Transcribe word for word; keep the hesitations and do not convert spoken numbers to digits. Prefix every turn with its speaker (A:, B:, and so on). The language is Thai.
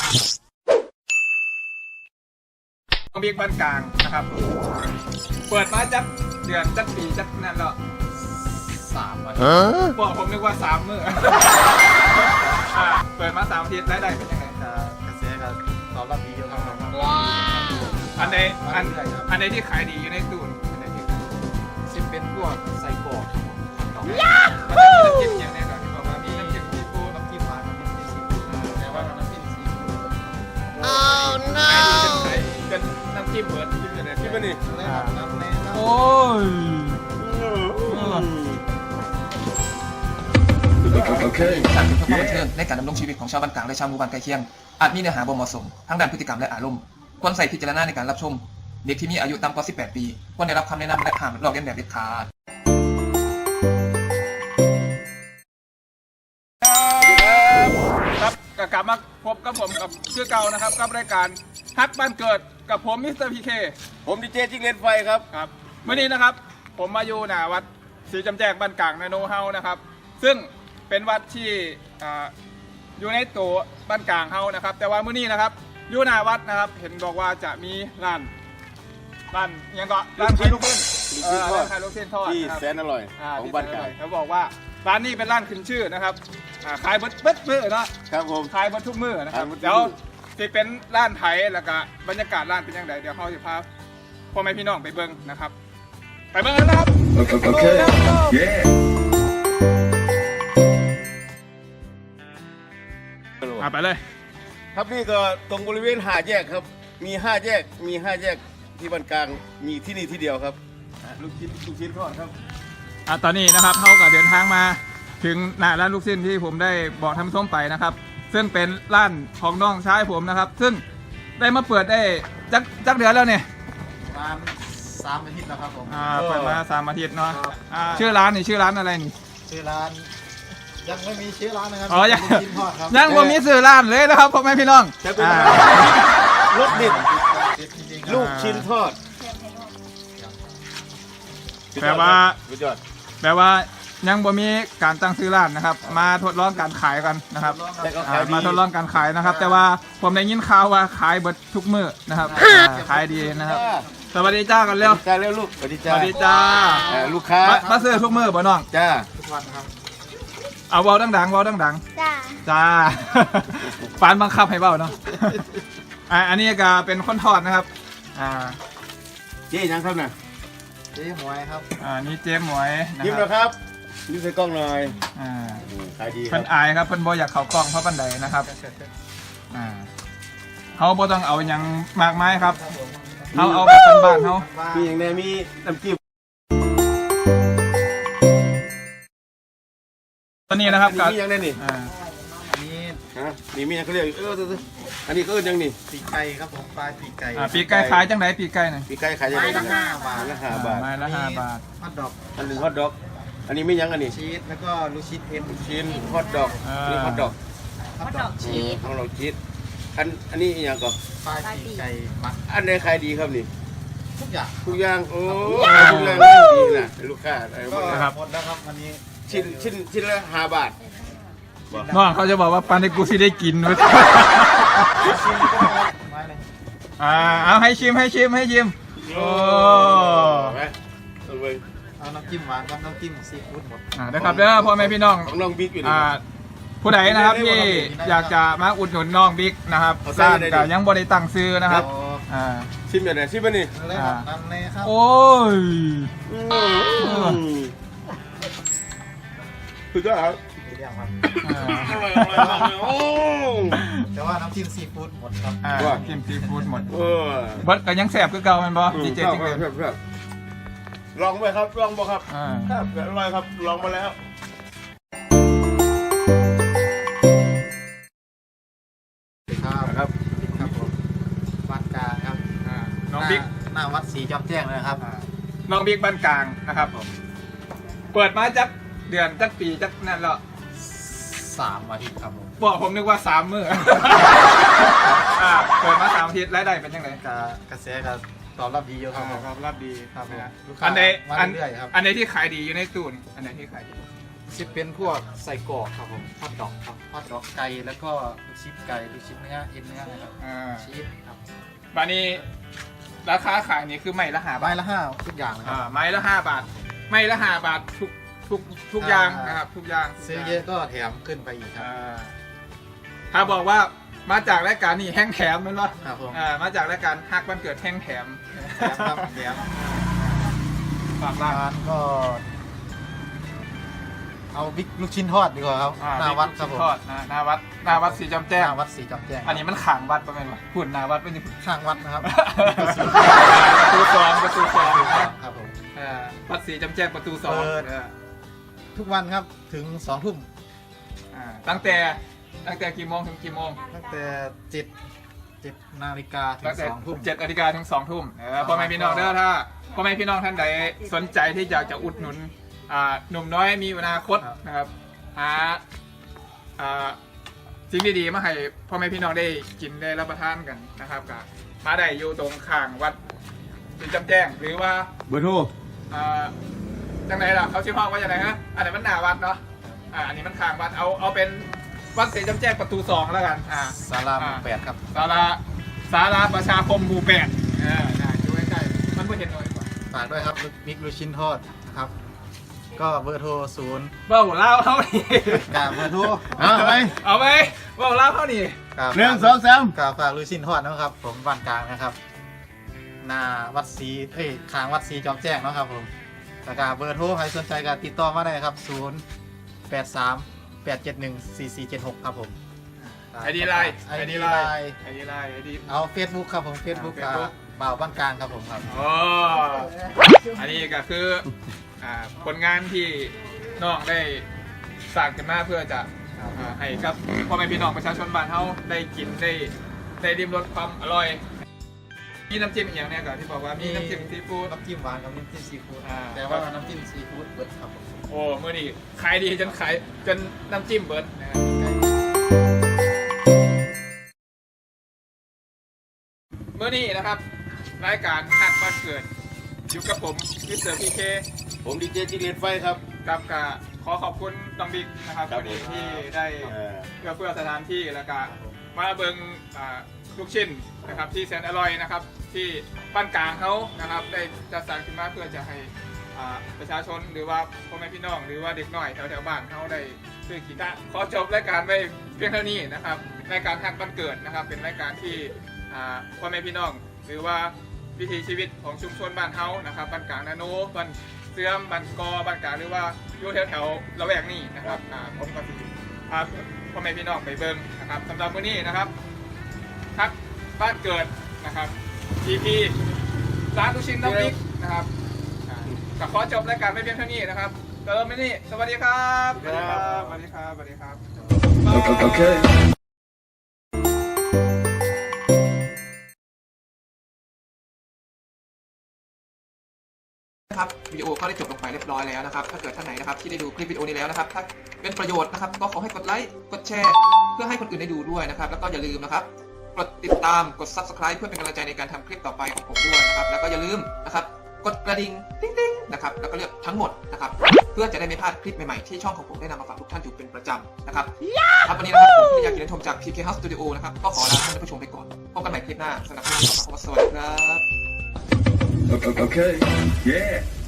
A: น้องบิ๊กบ้านกลางนะครับเปิดมาจักเดือนจักปีจักนั่นแล้วสามวันบอกผมนึกว่าสามมื้อเปิดมาสามอาทิตย์รายได้เป็นยังไง
B: กระแสก็ตอบรับดีเยอะครับ
A: อันไหนอันอันไหนที่ขายดีอยู่ในตู้อันไหนที่
B: ซิมเป็นพวกไส้กรอก
A: ยาฮู้น้ำจิ้มอย่างแน่นอนที่บอกว่ามีน้ำจิ้มซีฟู้ด
B: น้ำจิ้มหวานน้ำจิ้มซีฟู้ดแต่ว่าน้ำจิ้มซีฟู้ด
A: โอ้ no เป็นน้ำจิ้มเบิร์ดจิ้มอะไรจิ้มนี่
B: น้ำแน่
A: โอ้ย
C: โอเคการเป็นความบันเทิงในการดำรงชีวิตของชาวบ้านกลางและชาวหมู่บ้านใกล้เคียงอาจมีเนื้อหาบ่เหมาะสมทั้งด้านพฤติกรรมและอารมณ์ควรใส่พิจารณาในการรับชมเด็กที่มีอายุต่ำกว่าสิบแปดปีควรได้รับคำแนะนำและห้ามลอกเลียนแบบเด็ดขาด
A: ครับกลับมาพบกับผมกับชื่อเก่านะครับกับรายการฮักบ้านเกิดกับผมมิสเตอร์พีเค
D: ผมดีเจจิ้งเลนไฟครับ
A: ครับวันนี้นะครับผมมาอยู่หน้าวัดศรีจำแจกบ้านกลางนาโนเฮานะครับซึ่งเป็นวัดที่อยู่ในตัวบ้านกลางเฮานะครับแต่ว่ามื้อนี้นะครับอยู่หน้าวัดนะครับเห็นบอกว่าจะมีร้านร้านยังก็ร้านขายลูกชิ้นร้านขายลูกชิ้นทอด
D: ที่แสนอร่อยของบ้านกลาง
A: เขาบอกว่าร้านนี้เป็นร้านขึ้นชื่อนะครับขายเบิดเบิดมื้อเนาะ
D: ครับผม
A: ขายเบิดทุกมื้อนะครับเดี๋ยวจะเป็นร้านไทยแล้วก็บรรยากาศร้านเป็นยังไงเดี๋ยวเขาจะพาพ่อแม่พี่น้องไปเบิ่งนะครับไปเบิ่งกันนะครับ
C: โอเคเย้
A: ไปเลย
D: ครับนี่ก็ตรงบริเวณห้าแยกครับมีห้าแยกมีห้าแยกที่บ้านกลางมีที่นี่ที่เดียวครับลูกชิ้นลูกชิ้นทอดครับ
A: อ่ะตอนนี้นะครับเขาก็เดินทางมาถึงหน้าร้านลูกชิ้นที่ผมได้บอกท่านผู้ชมไปนะครับซึ่งเป็นร้านของน้องชายผมนะครับซึ่งได้มาเปิดได้จักจักเดือนแล้วเนี่ย
B: ประมาณสามอาทิตย์แล้วครับผม
A: อ่าเปิดมาสามอาทิตย์เนาะชื่อร้านนี่ชื่อร้านอะไรนี่
B: ชื่อร้านยังไม่มีชื่อร้านนะครับ
A: อ๋อยังยังไม่มีชื่อร้านเลยนะครับพ่อแม่พี่น้อง
D: จะเป็นรสเด็ดลูกชิ้นทอด
A: แปลว่าแปลว่ายังบ่มีการตั้งชื่อร้านนะครับมาทดลองการขายกันนะครับมาทดลองการขายนะครับแต่ว่าผมได้ยินข่าวว่าขายเบิดทุกมื้อนะครับขายดีนะครับสวัสดีจ้ากันเร็ว
D: จ้าเร็วลูกสวัสดีจ้า
A: สวัสดีจ้า
D: ลูกค้า
A: มาซื้อทุกมื้อบ่น้อง
D: จ้า
B: ทุกวันครับ
A: เอาเบาดังๆเบาดัง
E: ๆจ้า
A: จ้าปานบังคับให้เบาเนาะอันนี้ก็เป็นคนทอดนะครับอ่า
D: เจ๊ยังครับน่ะ
B: เจ๊หมวยครับ
A: อ่านี่เจ๊หมวย
D: ยิ้มนะครับยิ้มใส่กล้องหน่อย
A: อ่า
D: ขายดี
A: เพิ่นอายครับเพิ่นบ่อยากเข้ากล้องเพราะปันใดนะครับอ่าเขาบ่ต้องเอาอย่างมากมายครับเขาเอาแบบบ้านๆเขา
D: มีอย่างแน่มีน้ำจิ้ม
A: ตอนนี้นะครับ
D: มีอย่างแน่นี่
A: อ่า
B: นี่
D: ฮะนี่มีอย่างเขาเรียกเอออันนี้ก็ยังนี่
B: ปีกไก่ครับผมปลาปีกไก่
A: อ่าปีกไก่ขายจังไหนปีกไก่น่ะ
D: ปีกไก่ขายยังไง
B: ละห้าบาท
D: ละห้าบาท
A: ไม้ละห้าบาท
B: ฮอทดอก
D: อันหนึ่งฮอทดอกอันนี้ไม่ยังอันนี้
B: ชีสแล้วก็ลูกชิ้นเอ็น
D: ลูกชิ้นฮอทดอกนี่ฮอทดอก
B: ฮอทดอกชีส
D: ของเราชีสอันอันนี้อย่างก่อน
B: ปลาปีกไก่มัก
D: อันไหนขายดีครับนี่
B: ทุกอย่าง
D: ทุกอย่างโอ้ทุกอย่างดีนะลูกค้าอะไรหมด
B: นะครับหมดแล้วครับวันนี้
D: ชิ้นชิ้นชิ้นละห้าบาท
A: น้องเขาจะบอกว่าปานในกูสิได้กินมั้ยอ่าเอาให้ชิมให้ชิมให้ชิมโอ้
B: เอาน้ำจิ้มหวานกับน้ำจิ้มซีฟู้ดหมด
A: อ่านะครับเด้อพ่อแม่พี่น้อง
D: ของน้องบิ๊กอยู่
A: อ่าผู้ใดนะครับที่อยากจะมาอุดหนุนน้องบิ๊กนะครับร้านก็ยังบ่ได้ตั้งซื้อนะครับอ่า
D: ชิมอย่างไรชิมมานี่
B: นั่นเลยครับ
A: โอ้ย
D: สุดยอดครับ
B: อร่อยอร่อยมากเลยโอ้แต่ว่าน้ำจิ้มซีฟู้ดหมดครับ
A: อ่าน้ำจิ้มซีฟู้ดหมดเออบัดก็ยังแซ่บคือเก่าแม่นบ่ดีเจจริงเลย
D: ลองไปครับลองบ่ครับครับอร่อยครับลองมาแล้ว
B: ครับครับครับผมบ้านกลางครับ
A: น้องบิ๊ก
B: หน้าวัดศรีจอมแจ้งเลยครับ
A: น้องบิ๊กบ้านกลางนะครับผมเปิดมาจักเดือนจักปีจักนั่นแล้ว
B: สามอาทิตย์ครับผม
A: บอกผมนึกว่าสามมื้อเปิดมาสามอาทิตย์รายได้เป็นยังไง
B: กระแสก็ตอบรับดีเยอะครับ
A: ตอบรับดี
B: ครับ
A: อันไหนอันอันไหนที่ขายดีอยู่ในตู้นี่อันไหนที่ขายดี
B: ชิปเป็นพวกใส่กรอกครับผมฮอทดอกครับฮอทดอกไก่แล้วก็ลูกชิ้นไก่ลูกชิ้นเนื้อเอ็นเนื้อนะครับ
A: อ่า
B: ชีสครับ
A: บานี้ราคาขายนี่คือไม่ละหา
B: ใบบ
A: าท
B: ละห้าทุกอย่างนะค
A: อ่า
B: รับ
A: ไม้ละห้าบาท ไม่ละห้าบาททุกทุกทุกอย่าง
B: อ่าน
A: นะครับทุกอย่างทุก
B: ซื้อ
A: อย่าง
B: เยอะก็แถมขึ้นไปอีกครับ
A: อ่าถ้าบอกว่ามาจากรายการนี่แห้งแถมแมันวะ
B: ครับผม
A: อ่ามาจากรายการฮักวันเกิดแห้งแถม
B: แถมครับแถม
A: ฝากร้าน
B: ร้านก็ เอาบิ๊กลูกชิ้นทอดดีกว่าครับ
A: อ่
B: หน้าวัดครับผม
A: ทอดอ่าหน้าวัดหน้าวัดสีจำแจ้ง
B: หน้าวัดสีจอมแจ้ง
A: อันนี้มันขางวัดประมาณวะหุ่นหน้าวัดไม่ใช่
B: ข้างวัดนะครับ
A: ประตูสองประตูสอง
B: ครับผม
A: อ่าวัดสีจำแจ้งประตูสอง
B: เปิด
A: เออ
B: ทุกวันครับถึงสองทุ่ม
A: อ่าตั้งแต่ตั้งแต่กี่โมงถึงกี่โมง
B: ตั้งแต่เจ็ดเจ็ดนาฬิกาถึ
A: ตั้
B: ง
A: งแต่
B: สองทุ่ม
A: เจ็ดนาฬิกาถึงสองทุ่มเออพ่อแม่พี่น้องเด้อถ้าพ่อแม่พี่น้องท่านใดสนใจที่อยากจะอุดหนุนอ่าหนุ่มน้อยมีอนาคตนะครับหาอ่าสิ่งดีๆมาให้พ่อแม่พี่น้องได้กินได้รับประทานกันนะครับก็มาได้อยู่ตรงข้างวัดสีจำแจ้งหรือว่า
D: เบอร์โทร
A: อ่าจังไหนล่ะเขาชื่อห้องว่าจังไหนฮะอันนี้มันหน้าวัดเนาะอ่าอันนี้มันข้างวัดเอาเอาเป็นวัดสีจำแจ้งประตูสองแล้วกันอ่า
B: ศาลาหมู่แปดครับ
A: ศาลาศาลาประชาคมหมู่แปดเออได้อยู่ใกล้ๆมันไม่เห็นน้อยกว่า
B: ฝากด้วยครับบิ๊กลูกชิ้นทอดครับ ก็เบอร์โทรศูนย์
A: เบ้าเล่าเท่านี้
B: กาเบอร์โทร
D: เอาไป
A: เอาไปเบ้าเล่าเท่านี้
B: กา
D: หนึ่งสองสาม
B: กาฝากลูกชิ้นทอดนะครับ ผมบ้านกลางนะครับหน้าวัดศรีเอ้ยข้างวัดศรีจอมแจ้งเนาะครับผมแล้วกาเบอร์โทรใครสนใจก็ติดต่อมาได้ครับศูนย์แปดสามแปดเจ็ดหนึ่งสี่สี่เจ็ดหกครับผม
A: ไอดีไลน์
B: ไอ
A: ไอ
B: ดี
A: ดี
B: ไล
A: ไล
B: น์
A: น์ไอดีไลน์ไอดี
B: เอาเฟซบุ๊กครับผมเฟซบุ๊ก
A: อ่า Facebook
B: บ่าวบ้านกลางครับผมครับ
A: อ๋ออันนี้ก็คืออ่าผลงานที่น้องได้สร้างขึ้นมาเพื่อจะอ่าให้กับพ่อแม่พี่น้องประชาชนบ้านเฮาได้กินได้ได้ริมรสความอร่อยมีน้ำจิ้มอีกอย่างเนี่ยก่อนที่บอกว่ามีน้ำจิ้มซีฟู้ด
B: น้ำจิ้มหวานกับน้ำจิ้มซีฟู้ด
A: อ่า
B: แต่ว่าน้ำจิ้มซีฟู้ดเบิร์ดครับผม
A: โอ้เมื่อนี้ขายดีจนขายจนน้ำจิ้มเบิร์ดนะครับเมื่อนี้นะครับรายการหักบ้านเกิดอยู่กับผมมิสเตอร์พีเค
D: ผมดีเจจิเลตไฟครับ
A: กับกะขอขอบคุณน้องบิ๊กนะครับ
D: ครับ
A: วันนี้
D: ผม
A: ที่ได้
D: เออ
A: เพื่อเพื่อสถานที่แล้วก็มาเบิงอ่าลูกชิ้นนะครับที่แสนอร่อยนะครับที่บ้านกลางเขานะครับได้จัดสรรขึ้นมาเพื่อจะให้อ่าประชาชนหรือว่าพ่อแม่พี่น้องหรือว่าเด็กน้อยแถวแถวๆบ้านเขาได้ซื้อกินได้ขอจบรายการไว้เพียงเท่านี้นะครับรายการทักบ้านเกิดนะครับ เป็นรายการที่อ่าพ่อแม่พี่น้อง หรือว่าวิถีชีวิตของชุมชนบ้านเฮานะครับบ้านกลางนาโนบ้านเสื่อมบ้านกอบ้านกลางหรือว่าอยู่แถวแถวๆละแวกนี้นะครับอ่าผมก็สิพาพ่อแม่พี่น้องไปเบิ่งนะครับสำหรับมื้อนี้นะครับทักบ้านเกิดนะครับ ที พี ร้านลูกชิ้นน้ำพริกนะครับอ่าก็ขอจบรายการไม่เพียงเท่านี้นะครับเติมไม่นี่สวัสดีครับสวัสดีครับสวัสดีครับสวัสดีครับ
E: Okay.
C: นะครับวิดีโอก็ได้จบลงไปเรียบร้อยแล้วนะครับถ้าเกิดท่านไหนนะครับที่ได้ดูคลิปวิดีโอนี้แล้วนะครับถ้าเป็นประโยชน์นะครับก็ขอให้กดไลค์กดแชร์เพื่อให้คนอื่นได้ดูด้วยนะครับแล้วก็อย่าลืมนะครับกดติดตามกด ซับสไครบ์ เพื่อเป็นกำลังใจในการทำคลิปต่อไปของผมด้วยนะครับแล้วก็อย่าลืมนะครับกดกระดิ่งติ๊งๆนะครับแล้วก็เลือกทั้งหมดนะครับเพื่อจะได้ไม่พลาดคลิปใหม่ๆที่ช่องของผมได้นำมาฝากทุกท่านอยู่เป็นประจำนะครับครับวันนี้นะครับผมที่อยากกินชมจาก พี เค House Studio นะครับก็ขอลาท่านผู้ชมไปก่อนพบกันใหม่คลิปหน้าสำหรับคลิปนี้ขอสวัสดีครับ
E: Okay. Okay. Yeah.